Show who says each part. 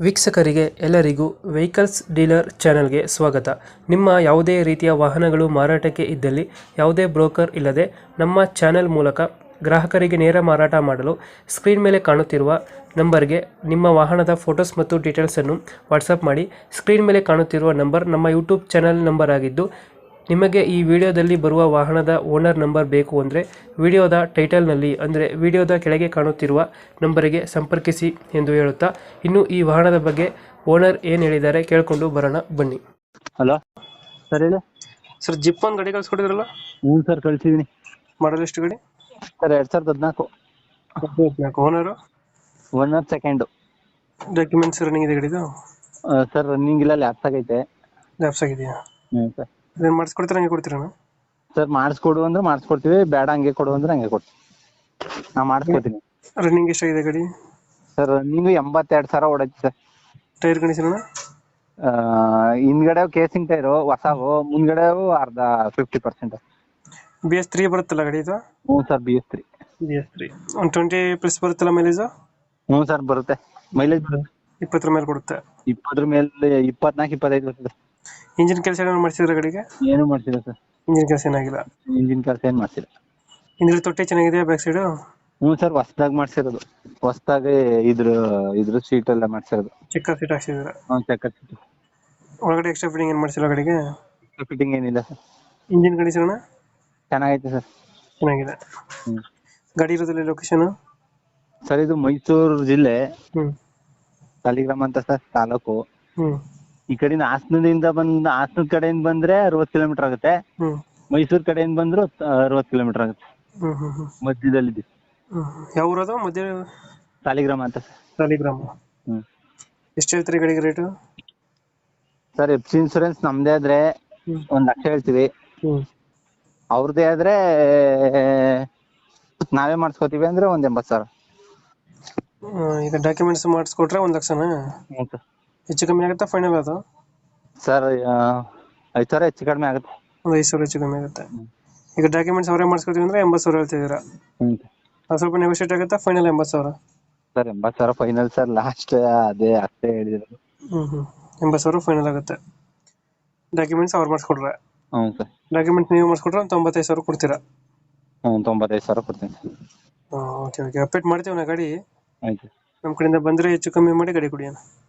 Speaker 1: ವೀಕ್ಷಕರಿಗೆ ಎಲ್ಲರಿಗೂ vehicles dealer ಚಾನೆಲ್ಗೆ ಸ್ವಾಗತ. ನಿಮ್ಮ ಯಾವುದೇ ರೀತಿಯ ವಾಹನಗಳು ಮಾರಾಟಕ್ಕೆ ಇದ್ದಲ್ಲಿ ಯಾವುದೇ ಬ್ರೋಕರ್ ಇಲ್ಲದೆ ನಮ್ಮ ಚಾನೆಲ್ ಮೂಲಕ ಗ್ರಾಹಕರಿಗೆ ನೇರ ಮಾರಾಟ ಮಾಡಲು ಸ್ಕ್ರೀನ್ ಮೇಲೆ ಕಾಣುತ್ತಿರುವ ನಂಬರ್ಗೆ ನಿಮ್ಮ ವಾಹನದ ಫೋಟೋಸ್ ಮತ್ತು ಡೀಟೇಲ್ಸನ್ನು ವಾಟ್ಸಪ್ ಮಾಡಿ. ಸ್ಕ್ರೀನ್ ಮೇಲೆ ಕಾಣುತ್ತಿರುವ ನಂಬರ್ ನಮ್ಮ ಯೂಟ್ಯೂಬ್ ಚಾನೆಲ್ ನಂಬರ್ ಆಗಿದ್ದು, ನಿಮಗೆ ಈ ವಿಡಿಯೋದಲ್ಲಿ ಬರುವ ವಾಹನದ ಓನರ್ ನಂಬರ್ ಬೇಕು ಅಂದರೆ ವಿಡಿಯೋದ ಟೈಟಲ್ನಲ್ಲಿ ಅಂದರೆ ವಿಡಿಯೋದ ಕೆಳಗೆ ಕಾಣುತ್ತಿರುವ ನಂಬರಿಗೆ ಸಂಪರ್ಕಿಸಿ ಎಂದು ಹೇಳುತ್ತಾ, ಇನ್ನು ಈ ವಾಹನದ ಬಗ್ಗೆ ಓನರ್ ಏನು ಹೇಳಿದ್ದಾರೆ ಕೇಳಿಕೊಂಡು ಬರೋಣ ಬನ್ನಿ.
Speaker 2: ಹಲೋ ಸರ್, ಹೇಳಿ
Speaker 1: ಸರ್, ಜಿಪ್ ಒಂದು ಗಾಡಿ ಕಳ್ಸಿಕೊಟ್ಟಿದ್ರಲ್ಲ,
Speaker 2: ಹ್ಞೂ ಸರ್ ಕಳ್ಸಿದ್ದೀನಿ.
Speaker 1: ಮಾಡಲ್ ಎಷ್ಟು ಗಾಡಿ?
Speaker 2: Sir 2014
Speaker 1: owner?
Speaker 2: Owner second.
Speaker 1: Documents running ಇದೆ ಗಾಡಿದು?
Speaker 2: ಸರ್ ರನ್ನಿಂಗ್ ಇಲ್ಲ, ಲ್ಯಾಪ್ಸ್ ಆಗೈತೆ.
Speaker 1: ಲ್ಯಾಪ್ಸ್ ಆಗಿದೆಯಾ?
Speaker 2: ಹ್ಞೂ ಸರ್.
Speaker 1: ಇದನ್ನು ಮಾಡಿಸ್ಕೊಡ್ತೀರಾ, ಹಂಗೆ ಕೊಡ್ತೀರಾ?
Speaker 2: ಸರ್ ಮಾಡಿಸ್ಕೊಡು ಅಂದ್ರೆ ಮಾಡಿಸ್ಕೊಡ್ತೀವಿ, ಬೇಡ ಹಂಗೆ ಕೊಡು ಅಂದ್ರೆ ಹಂಗೆ ಕೊಡ್ತೀವಿ. ನಾ ಮಾಡಿಸ್ಕೊಡ್ತೀನಿ.
Speaker 1: ರನ್ನಿಂಗ್ ಎಷ್ಟಾಗಿದೆ ಗಾಡಿ?
Speaker 2: ಸರ್ ರನ್ನಿಂಗು 82,000 ಓಡೈತಿ ಸರ್.
Speaker 1: Tyre condition?
Speaker 2: ಹಿಂದ್ಗಡೆ ಕೇಸಿಂಗ್ ಟೈರು ಹೊಸವು, ಮುಂದ್ಗಡೆ ಅರ್ಧ 50%.
Speaker 1: BS3 ಬರುತ್ತಲ್ಲ ಗಾಡಿ ಇದು?
Speaker 2: ಹ್ಞೂ ಸರ್, BS3.
Speaker 1: BS3 ಒಂದು 20+ ಬರುತ್ತಲ್ಲ ಮೈಲೇಜು?
Speaker 2: ಹ್ಞೂ ಸರ್ ಬರುತ್ತೆ. ಮೈಲೇಜ್ ಬರುತ್ತೆ
Speaker 1: 20 ಮೇಲೆ ಕೊಡುತ್ತೆ.
Speaker 2: 20 ಮೇಲೆ 24-25 ಬರ್ತದೆ.
Speaker 1: ಇಂಜಿನ್ ಕೆಲಸ ಏನಾದ್ರು ಮಾಡಿಸಿದ್ರೆ ಗಾಡಿಗೆ?
Speaker 2: ಏನು ಮಾಡ್ತಿಲ್ಲ ಸರ್,
Speaker 1: ಇಂಜಿನ್ ಕೆಲಸ ಏನಾಗಿಲ್ಲ.
Speaker 2: ಇಂಜಿನ್ ಕೆಲಸ ಏನು ಮಾಡ್ತಿಲ್ಲ.
Speaker 1: ಹಿಂದ್ಗಡೆ ತೊಟ್ಟಿ ಚೆನ್ನಾಗಿದೆಯಾ ಬ್ಯಾಕ್ ಸೈಡು?
Speaker 2: ಹ್ಞೂ ಸರ್, ಹೊಸ್ದಾಗಿ ಮಾಡ್ಸಿರೋದು. ಹೊಸ್ದಾಗಿ ಇದ್ರ ಸೀಟ್ ಎಲ್ಲ ಮಾಡ್ಸಿರೋದು.
Speaker 1: ಚೆಕ್ಕರ್ ಸೀಟ್ ಹಾಕ್ಸಿದ್ರೆ?
Speaker 2: ಹ್ಞೂ ಚೆಕ್ಕರ್ ಸೀಟ್.
Speaker 1: ಒಳಗಡೆ ಎಕ್ಸ್ಟ್ರಾ ಫಿಟ್ಟಿಂಗ್ ಏನು ಮಾಡಿಸಿಲ್ಲ ಗಾಡಿಗೆ?
Speaker 2: ಫಿಟ್ಟಿಂಗ್ ಏನಿಲ್ಲ ಸರ್.
Speaker 1: ಇಂಜಿನ್ ಕಂಡೀಷನ್
Speaker 2: ಚೆನ್ನಾಗೈತೆ ಸರ್.
Speaker 1: ಚೆನ್ನಾಗಿದೆ.
Speaker 2: ಹ್ಞೂ.
Speaker 1: ಗಾಡಿ ಇರೋದ್ರಲ್ಲಿ ಲೊಕೇಶನ್?
Speaker 2: ಸರ್ ಇದು ಮೈಸೂರು ಜಿಲ್ಲೆ,
Speaker 1: ಹ್ಞೂ
Speaker 2: ಸಾಲಿಗ್ರಾಮ ಅಂತ ಸರ್, ತಾಲೂಕು.
Speaker 1: ಹ್ಞೂ
Speaker 2: ಈ ಕಡೆಯಿಂದ ಹಾಸನದ ಕಡೆಯಿಂದ ಬಂದ್ರೆ 60 ಕಿಲೋಮೀಟರ್ ಆಗುತ್ತೆ.
Speaker 1: ಹ್ಞೂ
Speaker 2: ಮೈಸೂರು ಕಡೆಯಿಂದ ಬಂದ್ರು 60 ಕಿಲೋಮೀಟರ್ ಆಗುತ್ತೆ.
Speaker 1: ಹ್ಞೂ ಹ್ಞೂ ಹ್ಞೂ
Speaker 2: ಮಧ್ಯದಲ್ಲಿ
Speaker 1: ಹ್ಞೂ ಯಾವ ಊರದು? ಮಧ್ಯ
Speaker 2: ಸಾಲಿಗ್ರಾಮ ಅಂತ ಸರ್.
Speaker 1: ಸಾಲಿಗ್ರಾಮ.
Speaker 2: ಹ್ಞೂ.
Speaker 1: ಎಷ್ಟು ಹೇಳ್ತೀರಿ ಗಾಡಿಗೆ rate?
Speaker 2: Sir F C insurance ನಮ್ದೇ ಆದ್ರೆ 1 ಲಕ್ಷ ಹೇಳ್ತೀವಿ.
Speaker 1: ಹ್ಞೂ.
Speaker 2: ಅವ್ರದ್ದೇ ಆದ್ರೆ ನಾವೇ ಮಾಡಿಸ್ಕೋತೀವಿ ಅಂದ್ರೆ 80,000.
Speaker 1: ಈಗ ಡಾಕ್ಯುಮೆಂಟ್ಸ್ ಮಾಡಿಸ್ಕೊಟ್ರೆ 1 ಲಕ್ಷನಾ?
Speaker 2: ಹ್ಞೂ ಸರ್.
Speaker 1: ಹೆಚ್ಚು ಕಮ್ಮಿ ಆಗುತ್ತಾ ಫೈನಲ್ ಅದು?
Speaker 2: ಸರ್ 5,000 ಹೆಚ್ಚು ಕಡಿಮೆ ಆಗುತ್ತೆ.
Speaker 1: ಒಂದು 5,000 ಹೆಚ್ಚು ಕಮ್ಮಿ ಆಗುತ್ತೆ. ಈಗ ಡಾಕ್ಯುಮೆಂಟ್ಸ್ ಅವರೇ ಮಾಡಿಸ್ಕೊತೀವಿ ಅಂದ್ರೆ 80,000 ಹೇಳ್ತಿದ್ದೀರಾ?
Speaker 2: ಹ್ಞೂ.
Speaker 1: ಅದು ಸ್ವಲ್ಪ ನೆಗೋಷಿಯೇಟ್ ಆಗುತ್ತಾ? Final 80,000?
Speaker 2: Sir 80,000 final sir, last ಅದೇ ಅಷ್ಟೇ ಹೇಳಿರೋದು.
Speaker 1: ಹ್ಞೂ ಹ್ಞೂ 80,000 ಫೈನಲ್ ಆಗುತ್ತೆ. ಡಾಕ್ಯುಮೆಂಟ್ಸ್ ಅವ್ರು ಮಾಡಿಸ್ಕೊಡ್ರೆ?
Speaker 2: ಹ್ಞೂ ಸರ್.
Speaker 1: ಡಾಕ್ಯುಮೆಂಟ್ಸ್ ನೀವು ಮಾಡಿಸ್ಕೊಟ್ರೆ ಒಂದು 95,000 ಕೊಡ್ತೀರಾ?
Speaker 2: ಹ್ಞೂ 95,000 ಕೊಡ್ತೀನಿ ಸರ್.
Speaker 1: ಓಕೆ ಓಕೆ, ಅಪ್ಡೇಟ್ ಮಾಡ್ತೀವಿ ನಾ ಗಾಡಿ.
Speaker 2: ಆಯ್ತು.
Speaker 1: ನಮ್ಮ ಕಡೆಯಿಂದ ಬಂದರೆ ಹೆಚ್ಚು ಕಮ್ಮಿ ಮಾಡಿ ಗಾಡಿ ಕೊಡಿ ಅಣ್ಣ.